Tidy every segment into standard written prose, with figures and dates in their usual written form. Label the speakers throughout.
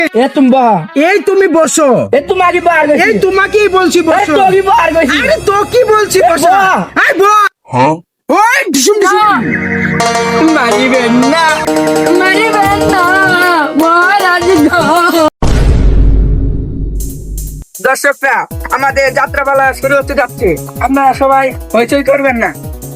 Speaker 1: এ তুমি বহ।
Speaker 2: এই তুমি বসো।
Speaker 1: এ তুমি আগে বার গেছি।
Speaker 2: এই তোমাকেই বলছি
Speaker 1: এ
Speaker 2: বসো।
Speaker 1: তো আগে বার গেছি।
Speaker 2: আরে তো কি বলছি বসো।
Speaker 1: বাহ।
Speaker 2: আই বস। ওই ডিসুম ডিসুম।
Speaker 1: মারিবেন না, মারিবেন না, মহারাজ গো। দর্শকরা, আমাদের যাত্রাপালা শুরু হতে যাচ্ছে, আপনারা সবাই হইচই করবেন না।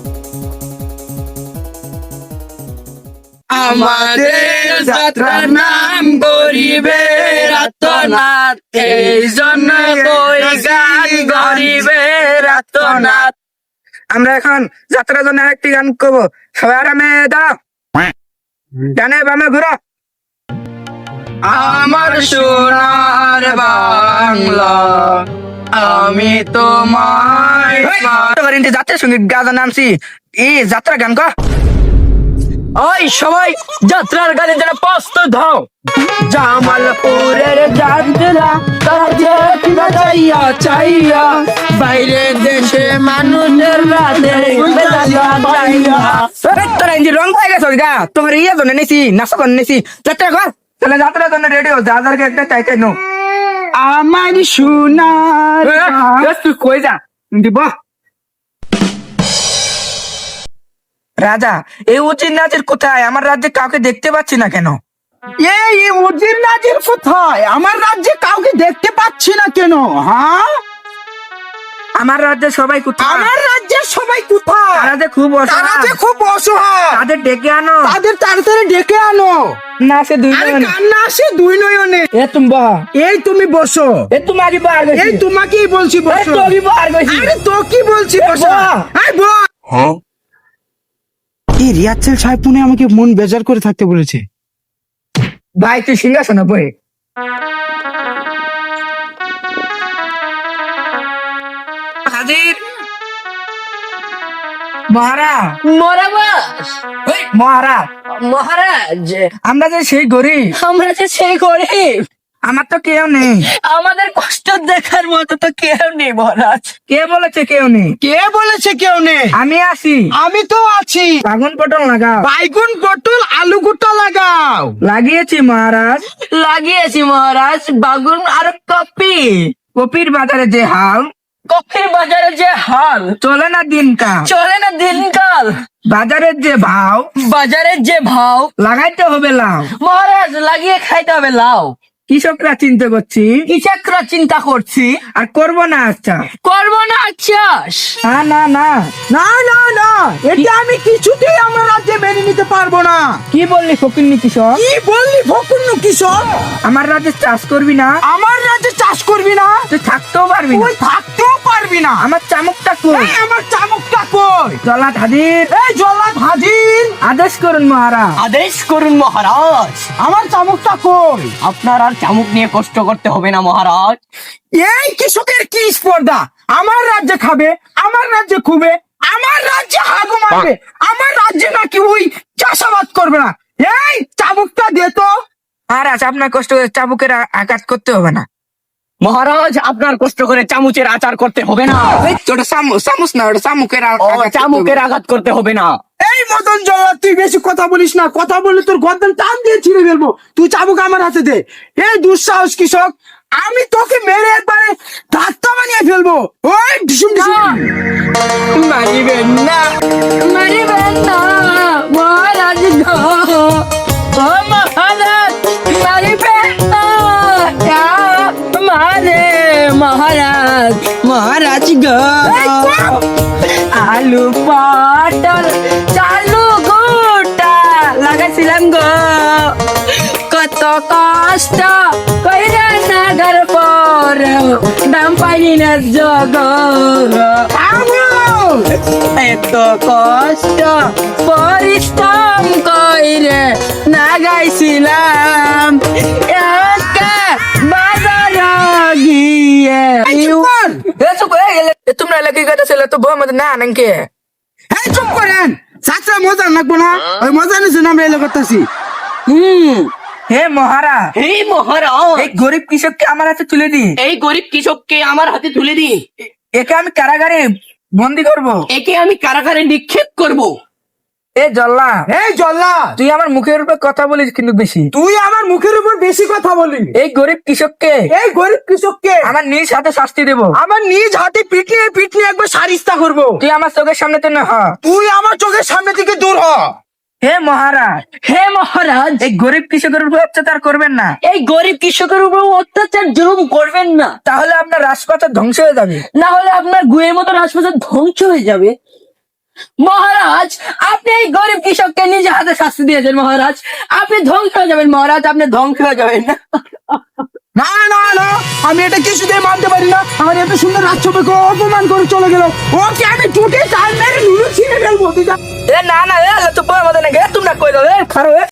Speaker 1: আমাদের যাত্রার নাম গরিবের আত্মনাথ, এই জন্য কই গান গরিবের আত্মনাথ। আমরা এখন যাত্রার জন্য আরেকটি গান করবো, সবাই আরামে দাঁড়াও, ডানে বামে ঘুরো। আমার সোনার বাংলা, আমি তোমায় যাত্রা সঙ্গীত গান নামছি, এই যাত্রা গান কর। ওই সবাই যাত্রার গানে যারা প্রস্তুত হও। জামালপুরের যাত্রা চাইয়া চাইয়া, বাইরে দেশে মানুষের রাতে তোরা ইঞ্জি রং পাই গেছ গা, তোমার ইয়ে জন্য নিছি, নাচা জন্য নিছি। যাত্রা কর, তাহলে যাত্রার জন্য রেডি হো, যা যার একটা চাই চাই নো।
Speaker 2: আমার সোনার
Speaker 1: তুই কই যা দিব রাজা। এই উচিত নাচের কোথায়? আমার রাজ্যে কাউকে দেখতে পাচ্ছি না কেন?
Speaker 2: এই উজির নাজির কোথায়? আমার রাজ্যে কাউকে দেখতে পাচ্ছি না কেন? হ্যাঁ,
Speaker 1: আমার রাজ্যে সবাই কোথায়?
Speaker 2: আমার রাজ্যের সবাই কোথায়?
Speaker 1: তারা যে খুব
Speaker 2: তারা যে
Speaker 1: অসহায়,
Speaker 2: খুব অসহায়,
Speaker 1: তাদের ডেকে আনো।
Speaker 2: তাদের তাড়াতাড়ি ডেকে আনো।
Speaker 1: না সে দুই
Speaker 2: আরে
Speaker 1: নয়নে।
Speaker 2: কান্না আসে দুই নয়নে।
Speaker 1: এ তুমি বহ।
Speaker 2: এই তুমি বসো।
Speaker 1: এ তুমি আগে বার গেছি।
Speaker 2: এই তোমাকেই বলছি
Speaker 1: এ
Speaker 2: বসো।
Speaker 1: তো আগে বার গেছি।
Speaker 2: আরে তো কি বলছি
Speaker 1: এ
Speaker 2: বসো।
Speaker 1: বাহ।
Speaker 2: আই বস। এই রিয়াচ্ছেল সাহেব পুনে আমাকে মন বেজার করে থাকতে বলেছে।
Speaker 1: ভাই তুই সিংহাসনে বই। হাজির মহারাজ।
Speaker 3: মরাবাস
Speaker 1: ওই মহারাজ,
Speaker 3: মহারাজ,
Speaker 1: আমরা যে সেই গরিব,
Speaker 3: আমরা যে সেই গরিব,
Speaker 1: আমার তো কেউ নেই।
Speaker 3: আমাদের কষ্ট দেখার মতো তো কেউ নেই মহারাজ।
Speaker 1: কে বলেছে কেউ নেই?
Speaker 2: কে বলেছে কেউ নেই?
Speaker 1: আমি আছি।
Speaker 2: আমি তো আছি।
Speaker 1: বাগুন পটল লাগাও।
Speaker 2: বাইগুন পটল আলু গুটা লাগাও।
Speaker 1: লাগিয়েছি মহারাজ।
Speaker 3: লাগিয়েছি মহারাজ বাগুন আর কপি।
Speaker 1: কপির বাজারে যে হাল,
Speaker 3: কপির বাজারে যে হাল,
Speaker 1: চলে না দিনকাল।
Speaker 3: চলে না দিনকাল,
Speaker 1: বাজারের যে ভাও,
Speaker 3: বাজারের যে ভাও,
Speaker 1: লাগাইতে হবে লাউ।
Speaker 3: মহারাজ লাগিয়ে খাইতে হবে লাউ।
Speaker 1: কৃষকরা চিন্তা করছি,
Speaker 3: কৃষকরা চিন্তা করছি,
Speaker 1: আর করবো না। আচ্ছা
Speaker 3: করবো না চাষ।
Speaker 1: না না না,
Speaker 2: না না না, এটা আমি কিছুতেই আমার রাজ্যে মেনে নিতে পারবো না।
Speaker 1: কি বললি ফকিন্নি কৃষক?
Speaker 2: কি বললি ভকুন্ন কিশোর?
Speaker 1: আমার রাজ্যে চাষ করবি না?
Speaker 2: আমার রাজ্যে চাষ করবি না?
Speaker 1: তুই থাকতেও পারবি না।
Speaker 2: তুই থাকতেও পারবি না।
Speaker 1: আমার চামকটা কই?
Speaker 2: এই আমার চামকটা কই?
Speaker 1: জলাট হাজির,
Speaker 2: এই জল্লাদ হাজির।
Speaker 1: আদেশ করুন মহারাজ।
Speaker 3: আদেশ করুন মহারাজ।
Speaker 2: আমার চামকটা কই?
Speaker 3: আপনার আর চামুক নিয়ে কষ্ট করতে হবে না মহারাজ।
Speaker 2: এই কৃষকের কি স্পর্ধা? আমার রাজ্যে খাবে, আমার রাজ্যে খুবে, আমার রাজ্যে হাগু মারবে, আমার রাজ্যে নাকি ওই চাষাবাদ করবে না। এই চাবুকটা দে তো।
Speaker 1: মহারাজ আপনার কষ্ট করে চাবুকের আঘাত করতে হবে না।
Speaker 3: মহারাজ আপনার কষ্ট করে চামচের আচার করতে হবে না।
Speaker 1: ওই তো ওটা চামচ না, ওটা চামুকের
Speaker 3: ও,
Speaker 1: আঘাত করতে হবে।
Speaker 3: চামুকের আঘাত করতে হবে না।
Speaker 2: এই মদন জল্লাদ, তুই বেশি কথা বলিস না। কথা বললে তোর গর্দান টান দিয়ে ছিঁড়ে ফেলবো। তুই চাবুক আমার হাতে দে। এই দুঃসাহস কৃষক, আমি তোকে মেরে একবারে ধাক্কা বানিয়ে ফেলবো। ওই ডিসুম ডিসুম।
Speaker 1: মারিবেন না,
Speaker 3: মারিবেন না মহারাজ গো। ও মহারাজ মারিবেন না। মারে মহারাজ, মহারাজ গো। আলু পটল চালু গোটা লাগাইছিলাম গো, কত কষ্ট কইরা নাগার পর দাম পাইনি না জগ। এত কষ্ট পরিশ্রম কইরে নাগাইছিলাম, একা বাজার গিয়ে।
Speaker 1: তোমরা এলাকি কথা ছিল তো বউ আমাদের না নাকি?
Speaker 2: এই চুপ করেন। চাচা মজা লাগবো না? ওই মজা নিছে না, আমরা এলো করতেছি।
Speaker 1: হে মহারাজ,
Speaker 3: এই মহারাজ,
Speaker 1: এই গরিব কৃষককে আমার হাতে তুলে দি।
Speaker 3: এই গরিব কৃষককে আমার হাতে তুলে দিন।
Speaker 1: একে আমি কারাগারে বন্দি করব।
Speaker 3: একে আমি কারাগারে নিক্ষেপ করব।
Speaker 1: এ জল্লা,
Speaker 2: এই জল্লা,
Speaker 1: তুই আমার মুখের উপর কথা বলিস কিন্তু বেশি।
Speaker 2: তুই আমার মুখের উপর বেশি কথা বলি।
Speaker 1: এই গরিব কৃষককে,
Speaker 2: এই গরিব কৃষককে
Speaker 1: আমার নিজ হাতে শাস্তি দেব।
Speaker 2: আমার নিজ হাতে পিটনিয়ে পিটনিয়ে একবার সারিস্তা করবো।
Speaker 1: তুই আমার চোখের সামনে তো না হ।
Speaker 2: তুই আমার চোখের সামনে থেকে দূর হ।
Speaker 1: হে মহারাজ,
Speaker 3: হে মহারাজ,
Speaker 1: এই গরিব কৃষকের উপর অত্যাচার করবেন না,
Speaker 3: এই গরিব কৃষকের উপর অত্যাচার জুলুম করবেন না,
Speaker 1: তাহলে আপনার রাজপাথর ধ্বংস হয়ে যাবে।
Speaker 3: না হলে আপনার গুয়ের মতো রাজপ্রাসাদ ধ্বংস হয়ে যাবে। মহারাজ, আপনি এই গরিব কৃষককে নিজে হাতে শাস্তি দিয়েছেন মহারাজ। আপনি ধ্বংস হয়ে যাবেন মহারাজ, আপনি ধ্বংস হয়ে যাবেন।
Speaker 2: না না না, আমি এটা কিছুতেই মানতে পারি না। আমার এত সুন্দর রাজসভাকে অপমান করে চলে গেল। ওকে আমি টুটে চাল মেরে নুরু ছিঁড়ে ফেলবো। তুই যা।
Speaker 1: এ না না, এ তো পর মত না গে, তোমরা কই দাও, এ খারো এ।